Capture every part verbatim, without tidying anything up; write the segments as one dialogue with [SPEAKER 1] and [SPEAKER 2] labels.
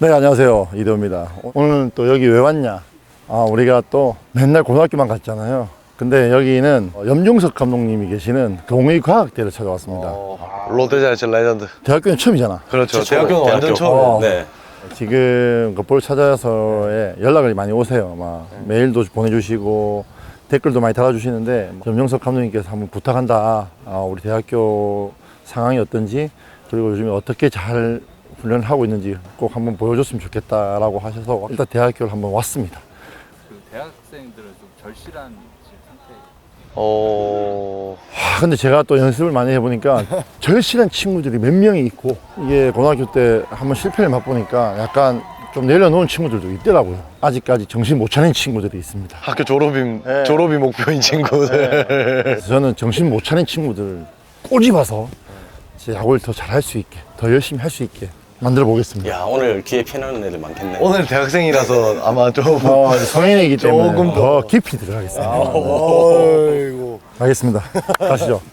[SPEAKER 1] 네, 안녕하세요. 이대호입니다. 오늘은 또 여기 왜 왔냐? 아, 우리가 또 맨날 고등학교만 갔잖아요. 근데 여기는 염중석 감독님이 계시는 동의과학대를 찾아왔습니다.
[SPEAKER 2] 어, 롯데자이언츠 레전드.
[SPEAKER 1] 대학교는 처음이잖아.
[SPEAKER 2] 그렇죠. 대학교는 완전 처음.
[SPEAKER 1] 어.
[SPEAKER 2] 네.
[SPEAKER 1] 지금 그 볼 찾아서에 연락을 많이 오세요. 막 메일도 보내주시고 댓글도 많이 달아주시는데 염중석 감독님께서 한번 부탁한다. 아, 우리 대학교 상황이 어떤지 그리고 요즘에 어떻게 잘 훈련을 하고 있는지 꼭 한번 보여줬으면 좋겠다라고 하셔서 일단 대학교를 한번 왔습니다.
[SPEAKER 3] 그 대학생들은 좀 절실한 지금 상태예요.
[SPEAKER 2] 어.
[SPEAKER 1] 아, 근데 제가 또 연습을 많이 해보니까 절실한 친구들이 몇 명이 있고 이게 고등학교 때 한번 실패를 맛보니까 약간 좀 내려놓은 친구들도 있더라고요. 아직까지 정신 못 차린 친구들이 있습니다.
[SPEAKER 2] 학교 졸업이
[SPEAKER 1] 네.
[SPEAKER 2] 졸업이 목표인 친구들.
[SPEAKER 1] 그래서 저는 정신 못 차린 친구들을 꼬집어서 제 야구를 더 잘할 수 있게 더 열심히 할 수 있게 만들어 보겠습니다.
[SPEAKER 4] 야, 오늘 기회 피나는 애들 많겠네.
[SPEAKER 2] 오늘 대학생이라서 아마 좀.
[SPEAKER 1] 어, 성인이기 때문에
[SPEAKER 2] 조금
[SPEAKER 1] 더 깊이 들어가겠습니다.
[SPEAKER 2] 어이구.
[SPEAKER 1] 알겠습니다. 가시죠.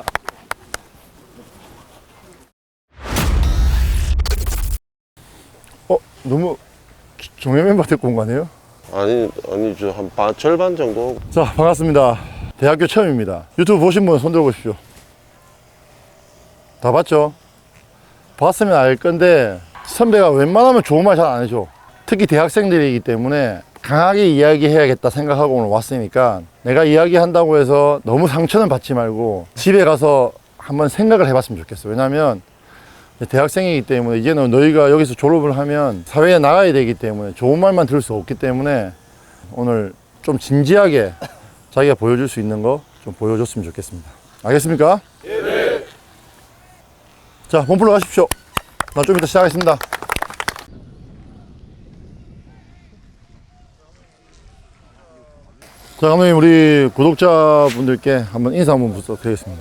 [SPEAKER 1] 어, 너무 종료 멤버 데리고 온 거 아니에요?
[SPEAKER 2] 아니 아니죠 한 반, 절반 정도.
[SPEAKER 1] 자, 반갑습니다. 대학교 처음입니다. 유튜브 보신 분 손 들어보십시오. 다 봤죠? 봤으면 알 건데 선배가 웬만하면 좋은 말 잘 안 해줘. 특히 대학생들이기 때문에 강하게 이야기해야겠다 생각하고 오늘 왔으니까 내가 이야기한다고 해서 너무 상처는 받지 말고 집에 가서 한번 생각을 해봤으면 좋겠어. 왜냐면 대학생이기 때문에 이제는 너희가 여기서 졸업을 하면 사회에 나가야 되기 때문에 좋은 말만 들을 수 없기 때문에 오늘 좀 진지하게 자기가 보여줄 수 있는 거 좀 보여줬으면 좋겠습니다. 알겠습니까? 네. 자, 몸풀러 가십시오. 나 좀 이따 시작하겠습니다. 자, 감독님, 우리 구독자분들께 한번 인사 한번 부탁드리겠습니다.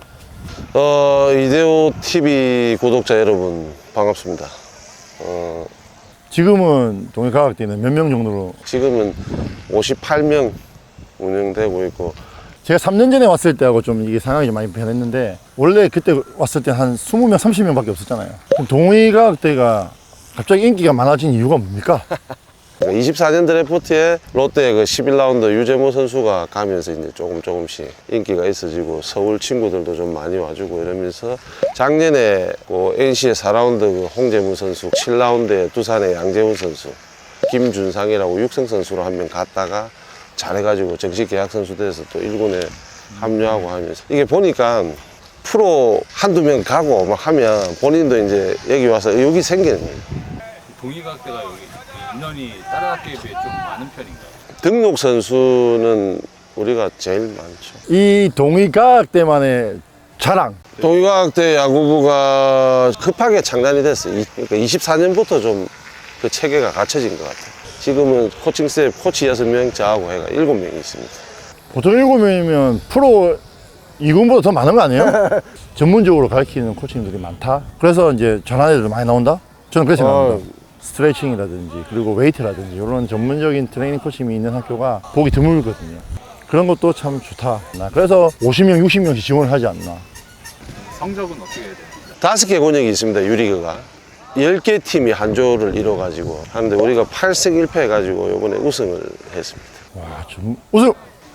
[SPEAKER 2] 어 이대호 티비 구독자 여러분 반갑습니다. 어
[SPEAKER 1] 지금은 동해과학대는 몇 명 정도로?
[SPEAKER 2] 지금은 오십팔 명 운영되고 있고.
[SPEAKER 1] 제가 삼 년 전에 왔을 때하고 좀 이게 상황이 좀 많이 변했는데 원래 그때 왔을 때 한 이십 명, 삼십 명밖에 없었잖아요. 그럼 동의과학대가 갑자기 인기가 많아진 이유가 뭡니까?
[SPEAKER 2] 이십사 년 드래프트에 롯데 그 십일 라운드 유재모 선수가 가면서 이제 조금 조금씩 인기가 있어지고 서울 친구들도 좀 많이 와주고 이러면서 작년에 그 엔씨의 사 라운드 그 홍재문 선수, 칠 라운드에 두산의 양재훈 선수, 김준상이라고 육성 선수로 한 명 갔다가 잘해가지고 정식 계약 선수 돼서 또 일 군에 합류하고 하면서 이게 보니까 프로 한두 명 가고 막 하면 본인도 이제 여기 와서 의욕이 생기는 거예요.
[SPEAKER 3] 동의과학대가 여기 인원이 다른 학교에 비해 좀 많은 편인가요?
[SPEAKER 2] 등록 선수는 우리가 제일 많죠.
[SPEAKER 1] 이 동의과학대만의 자랑.
[SPEAKER 2] 동의과학대 야구부가 급하게 창단이 됐어요. 이- 그러니까 이십사 년부터 좀 그 체계가 갖춰진 것 같아요. 지금은 코칭 스텝 코치 여섯 명 저하고 해가 일곱 명이 있습니다.
[SPEAKER 1] 보통 일곱 명이면 프로 이 군보다 더 많은 거 아니에요? 전문적으로 가르치는 코치님들이 많다. 그래서 이제 전환 애들도 많이 나온다? 저는 그렇게 생각합니다. 스트레칭이라든지 그리고 웨이트라든지 이런 전문적인 트레이닝 코치님이 있는 학교가 보기 드물거든요. 그런 것도 참 좋다. 나 그래서 오십 명, 육십 명씩 지원을 하지 않나.
[SPEAKER 3] 성적은 어떻게 해야 돼요?
[SPEAKER 2] 다섯 개 권역이 있습니다. 유리그가. 열 개 팀이 한 조를 이뤄가지고 하는데 우리가 팔 승 일 패 해가지고 이번에 우승을 했습니다.
[SPEAKER 1] 와, 좀 우승!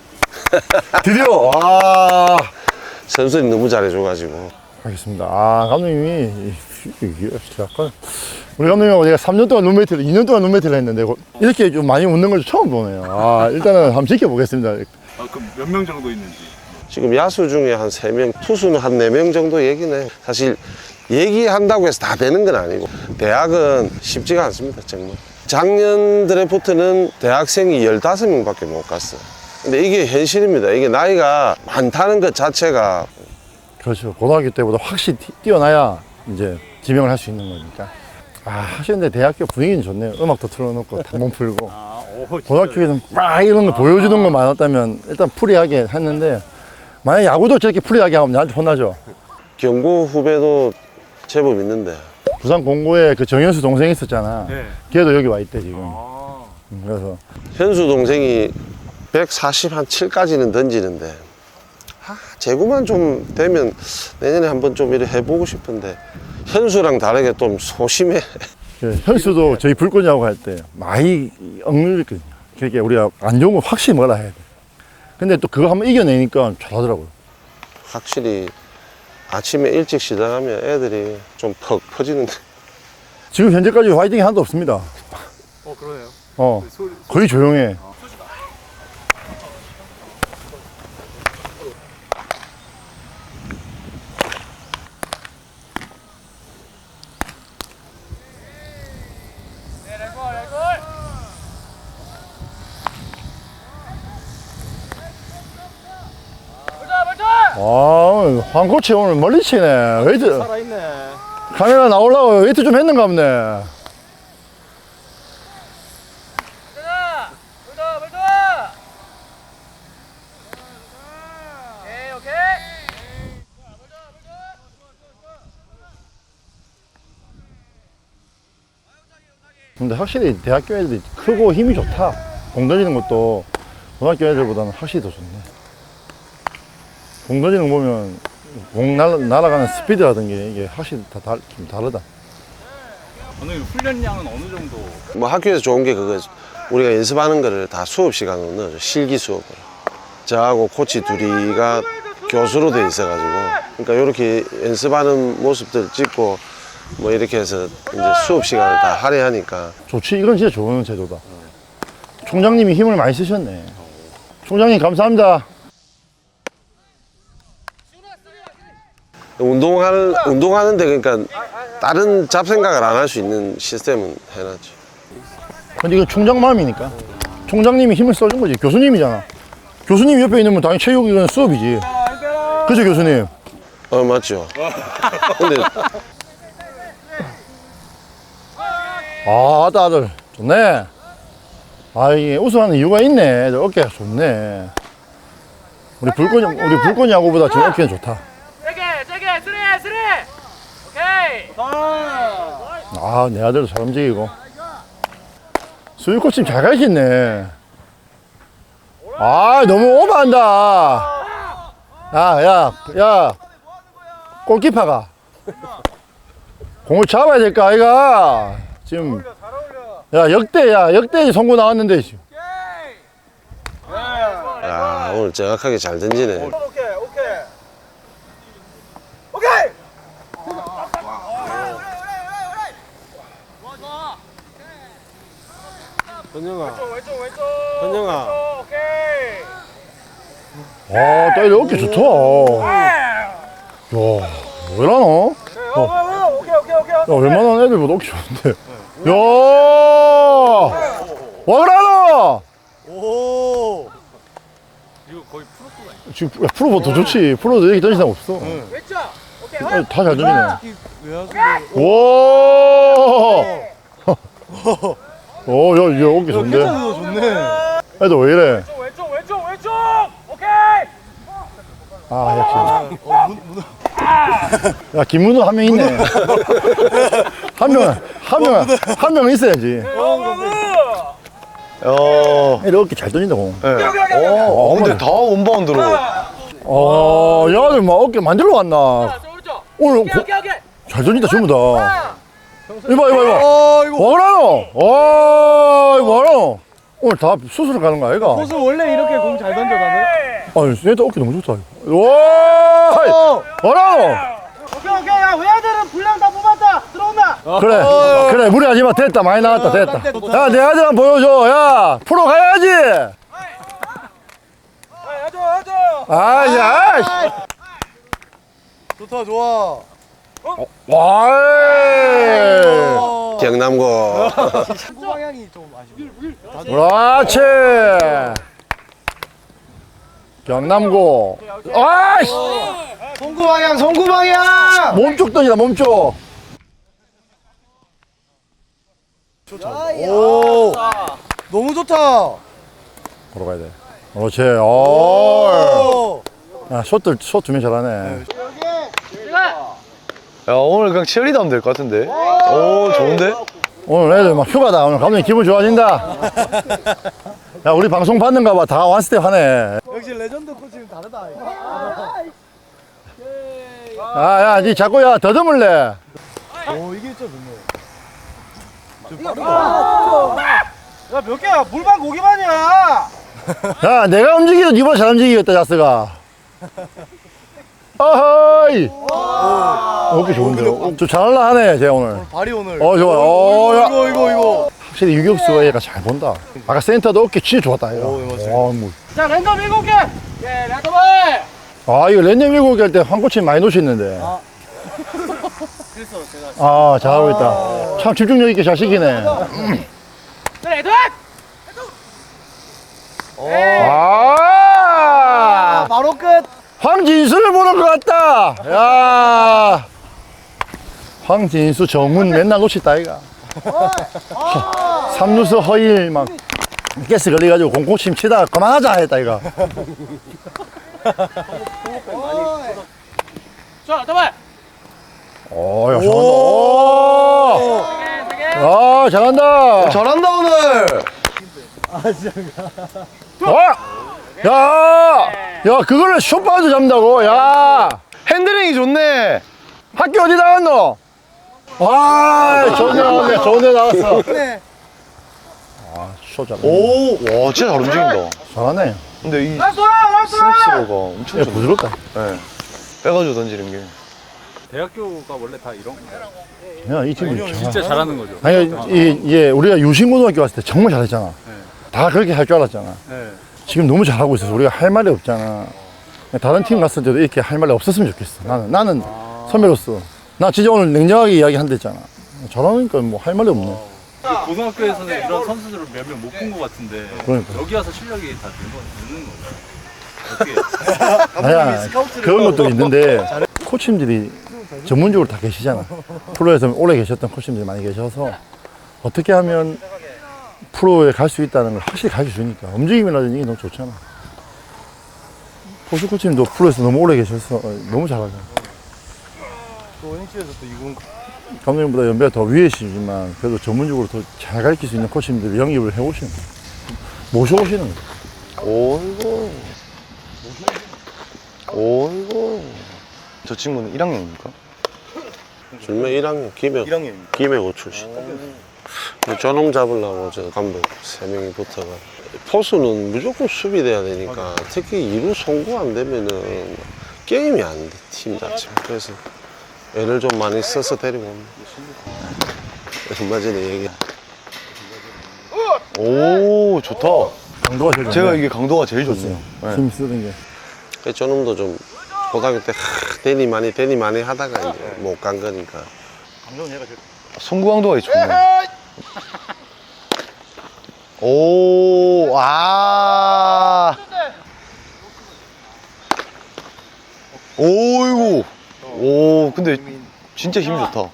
[SPEAKER 1] 드디어! 와!
[SPEAKER 2] 선수들이 너무 잘해줘가지고.
[SPEAKER 1] 알겠습니다. 아, 감독님이 이게 약간 우리 감독님하고 제가 삼 년 동안 룸메이트를 이 년 동안 룸메이트를 했는데 이렇게 좀 많이 웃는 걸 처음 보네요. 아, 일단은 한번 지켜보겠습니다.
[SPEAKER 3] 아, 그럼 몇 명 정도 있는지?
[SPEAKER 2] 지금 야수 중에 한 세 명, 투수는 한 네 명 정도 얘기네. 사실 얘기한다고 해서 다 되는 건 아니고 대학은 쉽지가 않습니다. 정말. 작년 드래프트는 대학생이 열다섯 명밖에 못 갔어. 근데 이게 현실입니다. 이게 나이가 많다는 것 자체가.
[SPEAKER 1] 그렇죠. 고등학교 때보다 확실히 티- 뛰어나야 이제 지명을 할 수 있는 거니까. 아, 하시는데 대학교 분위기는 좋네요. 음악도 틀어놓고 단몸 풀고.
[SPEAKER 3] 아, 오,
[SPEAKER 1] 고등학교에는 막 이런 거 보여주는 거 많았다면 일단 프리하게 했는데 만약 야구도 저렇게 프리하게 하면 나한테 혼나죠.
[SPEAKER 2] 경고 후배도 제법 있는데.
[SPEAKER 1] 부산 공고에 그 정현수 동생이 있었잖아.
[SPEAKER 3] 네.
[SPEAKER 1] 걔도 여기 와 있대 지금.
[SPEAKER 3] 아,
[SPEAKER 1] 음, 그래서
[SPEAKER 2] 현수 동생이 백사십칠까지는 던지는데 아, 제구만 좀 되면 내년에 한번 좀 이렇게 해보고 싶은데 현수랑 다르게 좀 소심해.
[SPEAKER 1] 그 현수도 저희 불꽃야구 할 때 많이 억눌렸거든요. 그러니까 우리가 안 좋은 거 확실히 뭐라 해야 돼. 근데 또 그거 한번 이겨내니까 잘하더라고요.
[SPEAKER 2] 확실히 아침에 일찍 시작하면 애들이 좀 퍽 퍼지는데
[SPEAKER 1] 지금 현재까지 화이팅이 하나도 없습니다.
[SPEAKER 3] 어 그러네요.
[SPEAKER 1] 어,
[SPEAKER 3] 소리,
[SPEAKER 1] 거의 조용해. 아, 황 코치 오늘 멀리 치네. 웨이트.
[SPEAKER 3] 살아있네.
[SPEAKER 1] 카메라 나오려고 웨이트 좀 했는가 보네. 근데 확실히 대학교 애들이 크고 힘이 좋다. 공 던지는 것도 고등학교 애들보다는 확실히 더 좋네. 공 던지는 거 보면 공 날, 날아가는 스피드라든지 이게 확실히 다, 다, 좀 다르다.
[SPEAKER 3] 오늘 훈련량은 어느 정도?
[SPEAKER 2] 뭐 학교에서 좋은 게 그거 우리가 연습하는 거를 다 수업 시간으로 넣어줘. 실기 수업으로. 저하고 코치 둘이가 교수로 돼 있어가지고 그러니까 이렇게 연습하는 모습들 찍고 뭐 이렇게 해서 이제 수업 시간을 다 할애하니까
[SPEAKER 1] 좋지. 이건 진짜 좋은 제도다. 총장님이 힘을 많이 쓰셨네. 총장님 감사합니다.
[SPEAKER 2] 운동하는 운동하는데 그러니까 다른 잡생각을 안 할 수 있는 시스템은 해놨죠.
[SPEAKER 1] 근데 이건 총장 마음이니까. 총장님이 힘을 써준 거지. 교수님이잖아. 교수님 옆에 있는 건 당연히 체육 이건 수업이지. 그죠 교수님?
[SPEAKER 2] 어 맞죠. 근데
[SPEAKER 1] 아, 아들, 아들. 좋네. 아, 이게 우승하는 이유가 있네. 애들 어깨가 좋네. 우리 불꽃, 우리 불꽃 야구보다 지금 어깨는 좋다.
[SPEAKER 5] 세게 세게 쓰리 쓰리 오케이
[SPEAKER 1] 아, 내 아들도 잘 움직이고. 수유 코치 잘 가르쳤네. 아, 너무 오버한다. 야, 야, 야. 골키퍼가. 공을 잡아야 될까, 아이가? 지금. 야, 역대, 야, 역대 송구 나왔는데. 지금.
[SPEAKER 2] 야 오늘 정확하게 잘 던지네.
[SPEAKER 5] 오케이 오케이 오케이
[SPEAKER 2] 현영아,
[SPEAKER 5] 왼쪽 왼쪽
[SPEAKER 2] 현영아.
[SPEAKER 5] 오케이
[SPEAKER 1] 아, 딸 어깨 좋다. 야, 왜 이러노?
[SPEAKER 5] 오케이 오케이 오케이
[SPEAKER 1] 야, 웬만한 애들보다 어깨 좋은데. 야, 와 그러노?
[SPEAKER 3] 이거 거의 프로수가 있네.
[SPEAKER 1] 지금 야, 프로보다 더 좋지. 프로도 이렇게 던지는 사람 없어.
[SPEAKER 5] 왼쪽 오케이
[SPEAKER 1] 다 잘 던지네. 와. 오, 야, 야, 어깨 좋은데.
[SPEAKER 6] 좋네.
[SPEAKER 1] 애들 왜 이래?
[SPEAKER 5] 왼쪽 왼쪽 왼쪽 왼쪽 오케이
[SPEAKER 1] 아, 역시. 야, 김문호 한 명 있네. 한 명, 한 명, 한 명 있어야지.
[SPEAKER 6] 야.
[SPEAKER 1] 애들 어깨 잘 던진다, 공.
[SPEAKER 6] 네. 어, 근데 다 원바운드로.
[SPEAKER 1] 어, 야, 아들 막 어깨 만들러 왔나.
[SPEAKER 5] 오른쪽
[SPEAKER 1] 오늘
[SPEAKER 5] 오케이
[SPEAKER 1] 고,
[SPEAKER 5] 오케이 오케이
[SPEAKER 1] 잘 던진다, 전부 다. 이봐, 이봐, 이봐.
[SPEAKER 6] 아, 이거
[SPEAKER 1] 와, 그러노? 와, 이거 뭐하노? 오늘 다 수술 가는 거 아이가?
[SPEAKER 6] 호수 원래 이렇게 공 잘 던져 나는?
[SPEAKER 1] 아니, 얘도 어깨 너무 좋다. 이거. 와, 뭐라노?
[SPEAKER 5] 오케이 오케이 야 외야들은 분량 다 뽑았다 들어온다
[SPEAKER 1] 그래, 그래, 무리하지 마. 됐다, 많이 나왔다, 됐다. 야, 내 아들 한번 보여줘. 야, 프로 가야지.
[SPEAKER 5] 해줘 해줘
[SPEAKER 1] 아, 야, 씨.
[SPEAKER 6] 좋다 좋아.
[SPEAKER 1] 와,
[SPEAKER 2] 경남고.
[SPEAKER 6] 축구 방향이 좀 아쉽네.
[SPEAKER 1] 그렇지. 경남고. 아이씨.
[SPEAKER 6] 송구 방향 송구 방향.
[SPEAKER 1] 몸쪽 던지다, 몸쪽.
[SPEAKER 6] 오. 너무 좋다.
[SPEAKER 1] 보러 가야 돼. 그렇지. 오.
[SPEAKER 6] 오.
[SPEAKER 1] 야, 숏들, 숏 두면 잘하네.
[SPEAKER 6] 야 오늘 그냥 치어리더 하면 될 것 같은데. 오 좋은데?
[SPEAKER 1] 오늘 애들 막 휴가다. 오늘 감독님 기분 좋아진다. 야, 우리 방송 받는가 봐. 다 원스텝 하네.
[SPEAKER 6] 역시 레전드 코치는 다르다.
[SPEAKER 1] 아, 야, 니 자꾸 야, 더듬을래.
[SPEAKER 6] 오 이게 진짜 좋네.
[SPEAKER 5] 야, 몇 개야? 물반 고기반이야.
[SPEAKER 1] 야, 내가 움직이도 니보다 잘 움직이겠다, 자스가. 어허이! 어깨 좋은데요? 좀 잘할라 하네, 쟤 오늘.
[SPEAKER 6] 발이 오늘.
[SPEAKER 1] 어, 좋아. 어, 야.
[SPEAKER 6] 이거, 이거, 이거.
[SPEAKER 1] 확실히 유격수가 얘가 잘 본다. 아까 센터도 어깨 진짜 좋았다, 얘가.
[SPEAKER 6] 오, 맞습니다.
[SPEAKER 1] 와, 뭐.
[SPEAKER 5] 자, 랜덤 일곱 개. 예, 랜덤을.
[SPEAKER 1] 아, 이거 랜덤 일곱 개 할 때 한 코치 많이 놓쳤는데.
[SPEAKER 5] 그래서 제가.
[SPEAKER 1] 아, 잘하고 있다. 참 집중력 있게 잘 시키네.
[SPEAKER 5] 자, 랜덤.
[SPEAKER 1] 아!
[SPEAKER 5] 바로 끝.
[SPEAKER 1] 황진수를 보는 것 같다. 야, 황진수 정훈 맨날 놓쳤다 이가. 삼루수 허일 막 가스 걸려가지고 공코침 치다가 그만하자 했다 이가.
[SPEAKER 5] 자, 더블.
[SPEAKER 1] 오, 야 잘한다. 오, 야 잘한다.
[SPEAKER 6] 잘한다, 오늘.
[SPEAKER 1] 어? 야, 야 그거를 숏바우드 잡는다고. 야,
[SPEAKER 6] 핸들링이 좋네.
[SPEAKER 1] 학교 어디 나왔노? 아, 좋은 데 나왔네. 좋은 데 나왔어. 아, 숏 잡네.
[SPEAKER 6] 오, 와, 진짜 잘 움직인다.
[SPEAKER 1] 잘하네.
[SPEAKER 6] 근데 이
[SPEAKER 5] 나이스, 나이스.
[SPEAKER 6] 스냅스로가 엄청
[SPEAKER 1] 야,
[SPEAKER 6] 좋네.
[SPEAKER 1] 부드럽다.
[SPEAKER 6] 네. 빼가지고 던지는 게.
[SPEAKER 3] 대학교가 원래 다 이런 거
[SPEAKER 1] 야, 이 팀이 잘.
[SPEAKER 3] 진짜 잘하는 거죠.
[SPEAKER 1] 아니, 이, 예, 우리가 유신고등학교 갔을 때 정말 잘했잖아. 다 그렇게 할 줄 알았잖아.
[SPEAKER 3] 네.
[SPEAKER 1] 지금 너무 잘하고 있어서 우리가 할 말이 없잖아. 다른 팀 갔을 때도 이렇게 할 말이 없었으면 좋겠어. 나는, 나는 선배로서. 나 진짜 오늘 냉정하게 이야기한다 했잖아. 잘하니까 뭐 할 말이 없네.
[SPEAKER 3] 고등학교에서는 이런 선수들을 몇 명 못 본 것 같은데
[SPEAKER 1] 그러니까.
[SPEAKER 3] 여기 와서 실력이 다 는 거, 는는 건가요? 어떻게?
[SPEAKER 1] 아니야, 그런 것도 있는데 코치님들이 전문적으로 다 계시잖아. 프로에서 오래 계셨던 코치님들이 많이 계셔서 어떻게 하면 프로에 갈 수 있다는 걸 확실히 가르쳐 주니까 움직임이라든지 이게 너무 좋잖아. 포수 코치님도 프로에서 너무 오래 계셔서 너무 잘하잖아.
[SPEAKER 6] 또 엔씨에서 또 이군.
[SPEAKER 1] 감독님보다 연배가 더 위에시지만 그래도 전문적으로 더 잘 가르칠 수 있는 코치님들이 영입을 해오시는 거야. 모셔오시는 거야.
[SPEAKER 6] 오이고. 오이고. 저 친구는 일 학년입니까?
[SPEAKER 2] 줄면 일 학년 김해
[SPEAKER 6] 일 학년입니다.
[SPEAKER 2] 김해고 출신. 저놈 잡으려고 저 감독 세 명이 붙어가. 포수는 무조건 수비돼야 되니까 특히 이루 송구 안 되면은 게임이 안 돼, 팀 자체가. 그래서 애를 좀 많이 써서 데리고 옵니다. 얼마 전에 얘기.
[SPEAKER 6] 오, 좋다.
[SPEAKER 1] 강도가 제일
[SPEAKER 6] 제가
[SPEAKER 1] 좋네.
[SPEAKER 6] 이게 강도가 제일 좋네요. 네.
[SPEAKER 1] 힘 쓰는 게.
[SPEAKER 2] 그래서 저놈도 좀 고등학교 때 하, 데니 많이 데니 많이 하다가 이제 못 간 거니까.
[SPEAKER 6] 송구 강도가 좋네. 오, 아. 오이고. 오, 근데 진짜 힘이 좋다.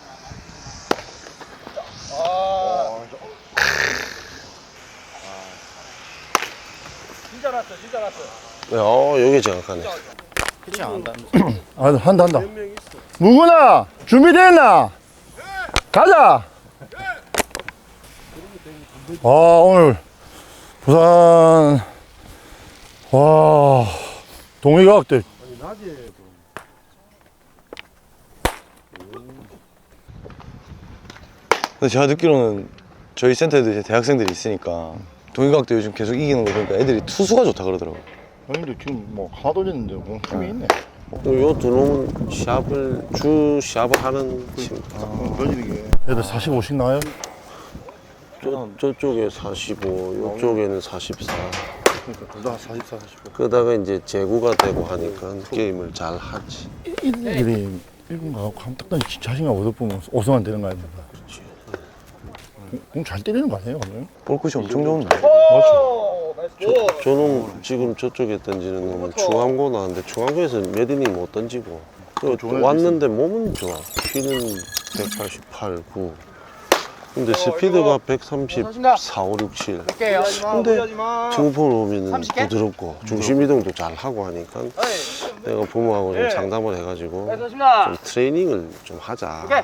[SPEAKER 5] 진짜 났어, 진짜 났어.
[SPEAKER 2] 어, 여기 정확하네.
[SPEAKER 1] 아, 한다, 한다. 무구나! 준비됐나? 가자! 아, 오늘, 부산, 와, 동의과학대.
[SPEAKER 6] 근데 제가 듣기로는 저희 센터에도 이제 대학생들이 있으니까 동의과학도 요즘 계속 이기는 거 보니까 애들이 투수가 좋다 그러더라고요.
[SPEAKER 1] 아니, 근데 지금 뭐, 하나 돌렸는데, 뭐, 힘이 있네.
[SPEAKER 2] 요 두 놈은 시합을 주 시합을 하는 팀.
[SPEAKER 1] 던지는 게. 애들 사십오씩 나와요?
[SPEAKER 2] 저, 저쪽에 사십오, 이쪽에는 사십사.
[SPEAKER 1] 그러니까, 둘 다 사십사, 사십오.
[SPEAKER 2] 그러다가 이제 제구가 되고 하니까 게임을 잘 하지.
[SPEAKER 1] 이들이 일본 가고 하면 딱 던지 자신감 얻어보면 오승환 되는 거 아닙니까? 공 잘 때리는 거 아니에요, 오늘?
[SPEAKER 6] 볼끝이 엄청 좋은데.
[SPEAKER 1] 맞죠?
[SPEAKER 2] 저, 저놈 지금 저쪽에 던지는 놈은 중앙고 나왔는데 중앙고에서 몇 이닝 못 던지고 그
[SPEAKER 1] 좋은
[SPEAKER 2] 왔는데 몸은 좋아. 키는 백팔십팔, 구. 근데 스피드가 백삼십사, 오, 육, 칠.
[SPEAKER 5] 할게요.
[SPEAKER 2] 근데 중포를 오면은
[SPEAKER 5] 삼십 개?
[SPEAKER 2] 부드럽고 중심 이동도 잘 하고 하니까 내가 부모하고 좀 상담을 해가지고
[SPEAKER 5] 됐습니다.
[SPEAKER 2] 좀 트레이닝을 좀 하자.
[SPEAKER 5] 오케이.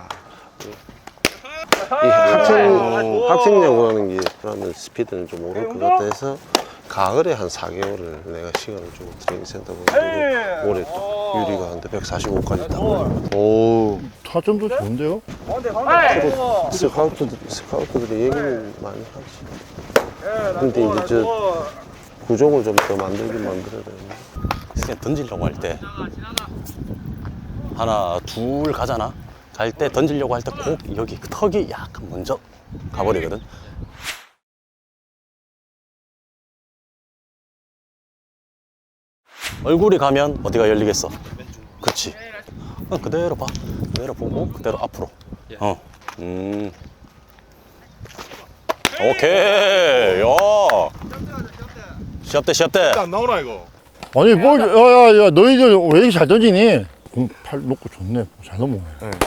[SPEAKER 2] 이 학생, 학생야구라는 게 그러면 스피드는 좀 오를 것 같아 해서 가을에 한 사 개월을 내가 시간을 주고 트레이닝 센터 가고 올해 또 유리가 한데 백사십오까지 타고
[SPEAKER 6] 오,
[SPEAKER 1] 타점도 좋은데요?
[SPEAKER 2] 스카우트들, 스카우트들이 얘기는 많이 하지. 근데 이제 저 구종을 좀 더 만들긴 만들어야 되는데.
[SPEAKER 4] 그냥 던지려고 할 때 하나 둘 가잖아. 갈 때 던지려고 할 때 꼭 여기 그 턱이 약간 먼저 가버리거든. 얼굴이 가면 어디가 열리겠어? 그치. 어, 그대로 봐. 그대로 보고 그대로 앞으로. 어. 음. 오케이. 야. 시합 때 시합 때.
[SPEAKER 1] 아니 뭐 야야야 너희들 왜 이렇게 잘 던지니? 공 팔 놓고 좋네. 잘 넘어오네.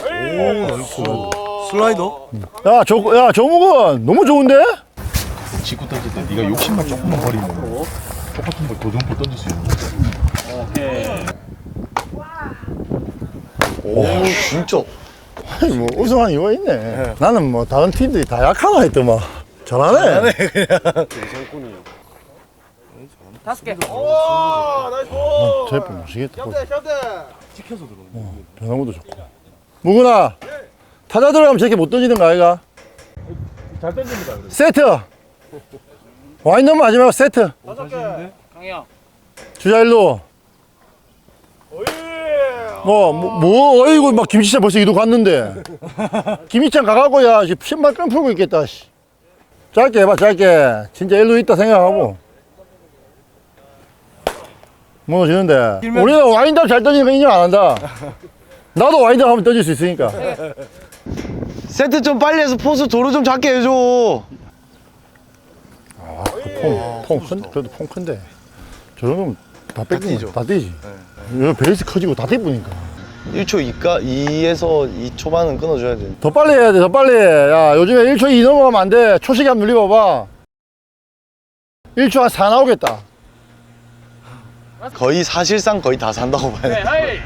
[SPEAKER 6] 슬라이더?
[SPEAKER 1] 야, 저, 야, 정욱은 너무 좋은데?
[SPEAKER 7] 직구 던질 때 네가 욕심만 조금만 버리면 똑같은 걸 도전포 던질 수 있는 거야.
[SPEAKER 6] 오, 진짜.
[SPEAKER 1] 아니, 뭐, 우승한 이유가 있네. 나는 뭐, 다른 팀들이 다 약하나 했더만. 잘하네.
[SPEAKER 5] 다섯 개.
[SPEAKER 1] 제프 모시겠다. 찍혀서 들어오네. 어, 변화구도 좋고. 무구나, 타자 들어가면 저렇게 못 던지는 거 아이가?
[SPEAKER 3] 잘 던집니다. 그래도.
[SPEAKER 1] 세트! 와인드만 하지 말고 세트.
[SPEAKER 5] 강영.
[SPEAKER 1] 주자 일로. 뭐, 뭐, 뭐, 어이구, 막 김치찬 벌써 이도 갔는데. 김치찬 가갖고, 야, 지금 신발 끈 풀고 있겠다, 씨. 짧게 해봐, 짧게. 진짜 일로 있다 생각하고. 무너지는데. 우리는 와인드업 잘 던지는 거 인정 안 한다. 나도 와인드업 하면 던질 수 있으니까.
[SPEAKER 6] 세트 좀 빨리 해서 포수 도로 좀 작게 해줘.
[SPEAKER 1] 아, 그 폼, 폼 큰, 그래도 폼 큰데. 저런 놈 다 뺏기죠. 다 뛰지. 네, 베이스 커지고 다 뛰니까.
[SPEAKER 6] 일 초 이까 이에서 이 초반은 끊어줘야 돼.
[SPEAKER 1] 더 빨리 해야 돼, 더 빨리. 야, 요즘에 일 초 이 넘어가면 안 돼. 초시계 한번 눌려봐봐. 일 초 한 사 나오겠다.
[SPEAKER 6] 거의 사실상 거의 다 산다고 봐야 돼.
[SPEAKER 5] 하이.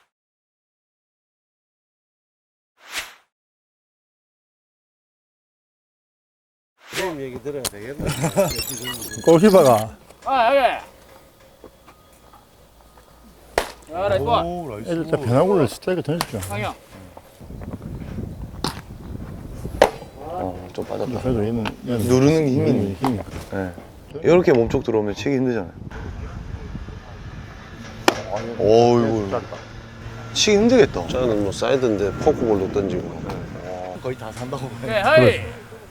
[SPEAKER 1] 골키퍼가.
[SPEAKER 5] 아, 여기. 야, 나이스 볼.
[SPEAKER 1] 애들 때 변화구를 스트라이크 던졌죠.
[SPEAKER 5] 강영.
[SPEAKER 6] 어, 좀 빠졌다.
[SPEAKER 1] 그래도 얘는, 얘는
[SPEAKER 6] 누르는 게 힘이 있네.
[SPEAKER 1] 힘이.
[SPEAKER 6] 네. 이렇게 몸쪽 들어오면 치기 힘들잖아요. 어이구. 치기 힘들겠다.
[SPEAKER 2] 저는 뭐 사이드인데 포크볼로 던지고.
[SPEAKER 6] 거의 다 산다고 봐야 돼.
[SPEAKER 5] 네, 하이.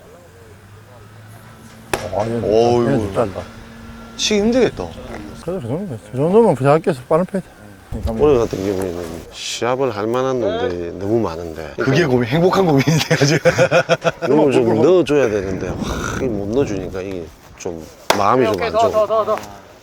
[SPEAKER 1] 아, 얘는,
[SPEAKER 6] 어이구.
[SPEAKER 1] 얘는 좀 짧다.
[SPEAKER 6] 치기 힘들겠다.
[SPEAKER 1] 그래도 그 정도면, 그 정도면 부자학교에서 빠른 패드.
[SPEAKER 2] 올해 같은 경우에는 시합을 할 만한 놈들이 너무 많은데.
[SPEAKER 6] 그게 고민, 행복한 고민인데, 지금.
[SPEAKER 2] 이걸 좀 넣어줘야 되는데, 와, 이게 못 넣어주니까 이게 좀 마음이 좀 안
[SPEAKER 5] 더, 더,
[SPEAKER 2] 좋아.
[SPEAKER 5] 더, 더.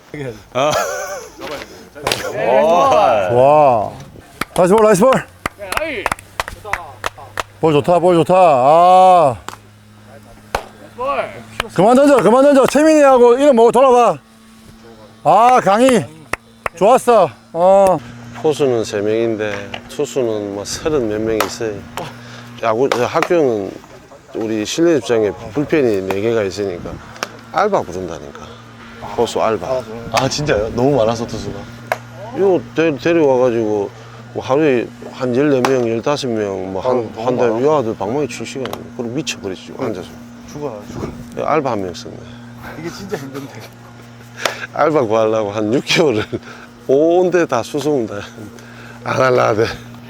[SPEAKER 1] 좋아. 나이스 볼, 나이스 볼.
[SPEAKER 5] 네, 하이.
[SPEAKER 1] 볼 좋다, 볼 좋다. 아.
[SPEAKER 5] 볼.
[SPEAKER 1] 그만 던져, 그만 던져. 채민이하고 이름 뭐고 돌아봐. 아, 강희. 좋았어. 어.
[SPEAKER 2] 포수는 세 명인데 투수는 뭐 서른 몇 명 있어요. 야구 저 학교는 우리 실내 입장에 불펜이 네 개가 있으니까 알바 부른다니까. 포수 알바.
[SPEAKER 6] 아, 진짜요? 너무 많아서 투수가.
[SPEAKER 2] 이거 데, 데려와가지고 뭐 하루에 한 열네 명, 열다섯 명 뭐한한 달 이 아들 방망이 칠 시간 그럼 미쳐버리지 앉아서.
[SPEAKER 6] 죽어요, 죽어.
[SPEAKER 2] 알바 한 명 썼네.
[SPEAKER 6] 이게 진짜 힘든데.
[SPEAKER 2] 알바 구하려고 한 육 개월을 온데 다 수송다 안 할라 하대.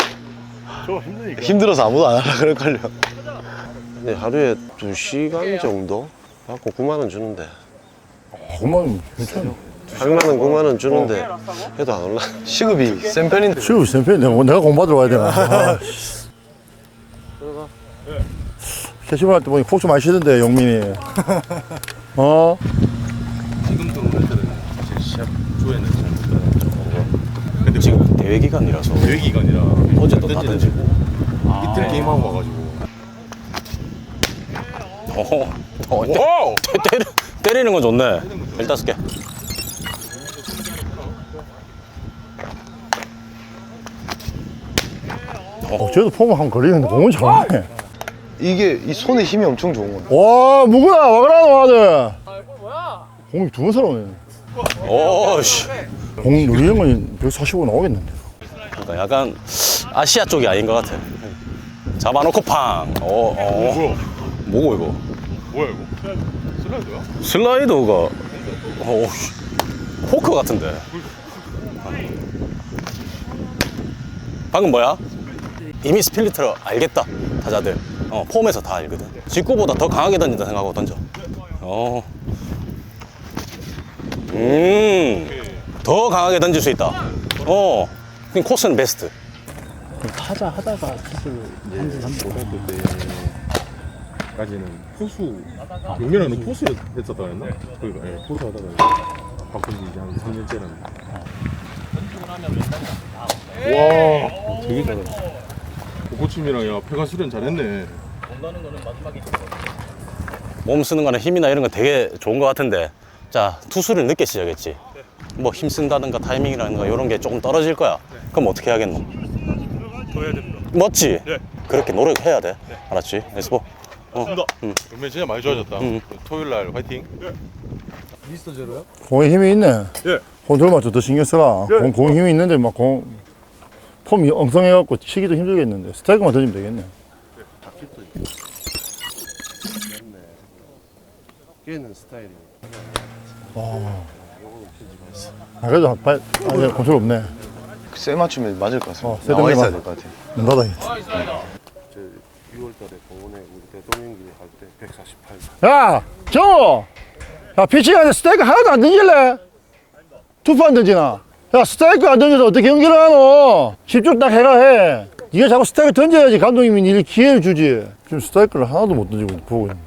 [SPEAKER 6] 힘들어서 아무도 안 하려 그럴걸요.
[SPEAKER 2] 근데 하루에 두 시간 정도 받고 구만 원 주는데
[SPEAKER 1] 그만, 괜찮아.
[SPEAKER 2] 팔만 원, 구만 원 주는데 해도 안 올라.
[SPEAKER 6] 시급이 센 편인데.
[SPEAKER 1] 지금 쌤편이 내가, 내가 공부하러 가야 되나. 아, 캐시볼 할 때 보니 폭주 많이 쉬던데, 영민이. 어?
[SPEAKER 3] 지금 들어오는 애들은 사실 시합 조에는 잘 못 들어가죠. 근데
[SPEAKER 4] 지금 대회 기간이라서
[SPEAKER 3] 대회 기간이라
[SPEAKER 4] 어제도 다 던지고.
[SPEAKER 3] 이틀 게임하고 와가지고.
[SPEAKER 4] 어, 어, 때, 때, 때리, 때리는 건 좋네. 열다섯 개.
[SPEAKER 1] 어, 쟤도 폼을 한번 걸리는데 공은 잘하네.
[SPEAKER 6] 이게 이 손에 힘이 엄청 좋은 거네.
[SPEAKER 1] 와, 무구나, 와그라노 아들.
[SPEAKER 5] 뭐야?
[SPEAKER 1] 공이 두 번 살아오네.
[SPEAKER 4] 오씨.
[SPEAKER 1] 공 누리는 건 백사십오 나오겠는데.
[SPEAKER 4] 그러니까 약간 아시아 쪽이 아닌 것 같아. 잡아놓고 팡. 어, 어. 뭐고 이거?
[SPEAKER 3] 뭐야 이거? 슬라이드야?
[SPEAKER 4] 슬라이더가 어, 씨. 포크 같은데. 방금 뭐야? 이미 스플리트를 알겠다 타자들. 어, 폼에서 다 알거든. 직구보다 더 강하게 던진다 생각하고 던져. 어. 음. 더 강하게 던질 수 있다. 어. 그럼 코스는 베스트.
[SPEAKER 3] 타자 하다가 투수를 이제 고등학교 때까지는 포수 용민아는 포수 했었다 했나? 그러니까 예, 포수 하다가 바꾼 지 이제 한 삼 년째라는. 와, 되게 잘한다. 고코침이랑 야 폐가 수련 잘했네.
[SPEAKER 4] 몸 쓰는 거나 힘이나 이런 거 되게 좋은 거 같은데, 자, 투수를 늦게 시작했지. 뭐 힘 쓴다든가 타이밍이라든가 이런 게 조금 떨어질 거야. 그럼 어떻게 해야겠노?
[SPEAKER 3] 더 해야 됩니다.
[SPEAKER 4] 맞지?
[SPEAKER 3] 네.
[SPEAKER 4] 그렇게 노력해야 돼. 알았지? 에스포. 어.
[SPEAKER 3] 응. 용민 진짜 많이 좋아졌다.
[SPEAKER 4] 응.
[SPEAKER 3] 토요일 날 화이팅. 미스터 제로요?
[SPEAKER 1] 공에 힘이 있네.
[SPEAKER 3] 예.
[SPEAKER 1] 컨트롤 맞춰 더 신경 쓰라. 공, 공 힘이 있는데 막 공, 폼이 엉성해갖고 치기도 힘들겠는데 스트라이크만 던지면 되겠네.
[SPEAKER 2] 걔는 스타일이.
[SPEAKER 1] 아, 그래도 발, 아, 이제 컨트롤 없네.
[SPEAKER 6] 세 맞추면 맞을 것 같습니다.
[SPEAKER 1] 어, 세
[SPEAKER 6] 나와 있어야
[SPEAKER 1] 던지면-
[SPEAKER 6] 될 것 같아요.
[SPEAKER 1] 눈 닫아야겠다.
[SPEAKER 2] 저 유월 달에 공원에 우리 대통령기 할 때 백사십팔.
[SPEAKER 1] 야, 정호! 야, 피칭하는데 스트라이크 하나도 안 던질래? 투포 안 던지나? 야, 스트라이크 안 던져서 어떻게 연기를 하노? 집중 딱 해라 해. 네가 자꾸 스트라이크 던져야지 감독님이 니 기회를 주지. 지금 스트라이크를 하나도 못 던지고 보고 있네.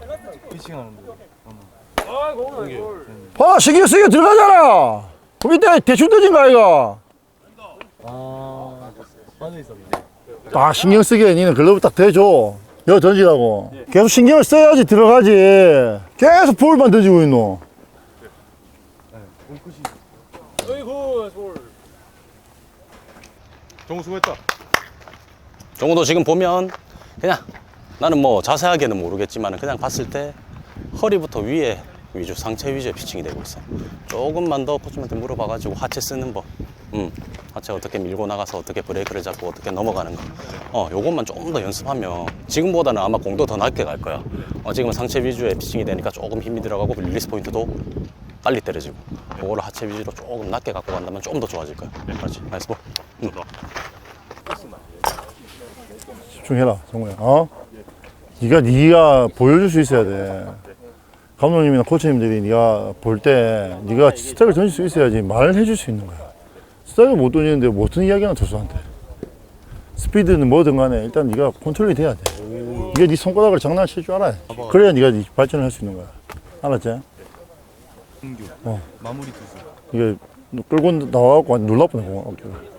[SPEAKER 1] 봐, 신경 쓰게 들어가잖아. 그럼 이때 대충 던진 거 아이가? 딱 신경 쓰게 니는 글러브 딱 대줘. 여기 던지라고. 계속 신경을 써야지 들어가지. 계속 볼만 던지고 있노.
[SPEAKER 3] 정우 수고했다.
[SPEAKER 4] 정우도 지금 보면 그냥 나는 뭐 자세하게는 모르겠지만 그냥 봤을 때 허리부터 위에 위주, 상체 위주의 피칭이 되고 있어. 조금만 더 코치한테 물어봐가지고 하체 쓰는 법, 음, 하체 어떻게 밀고 나가서 어떻게 브레이크를 잡고 어떻게 넘어가는 거, 어, 요것만 조금 더 연습하면 지금보다는 아마 공도 더 낮게 갈 거야. 어, 지금은 상체 위주의 피칭이 되니까 조금 힘이 들어가고 릴리스 포인트도 빨리 때려지고, 그거를 하체 위주로 조금 낮게 갖고 간다면 조금 더 좋아질 거야. 그렇지, 나이스 볼. 음.
[SPEAKER 1] 집중해라, 정우야. 어? 네가 네가 보여줄 수 있어야 돼. 감독님이나 코치님들이 네가 볼 때 네가 스트라이크를 던질 수 있어야지 말을 해줄 수 있는 거야. 스트라이크를 못 던지는데 무슨 이야기나 투수한테. 스피드는 뭐든 간에 일단 네가 컨트롤이 돼야 돼. 네가 네 손가락을 장난칠 줄 알아야 돼. 그래야 네가 네 발전을 할 수 있는 거야. 알았지? 어. 마무리 투수. 이게 끌고 나와갖고 놀라보네, 공을.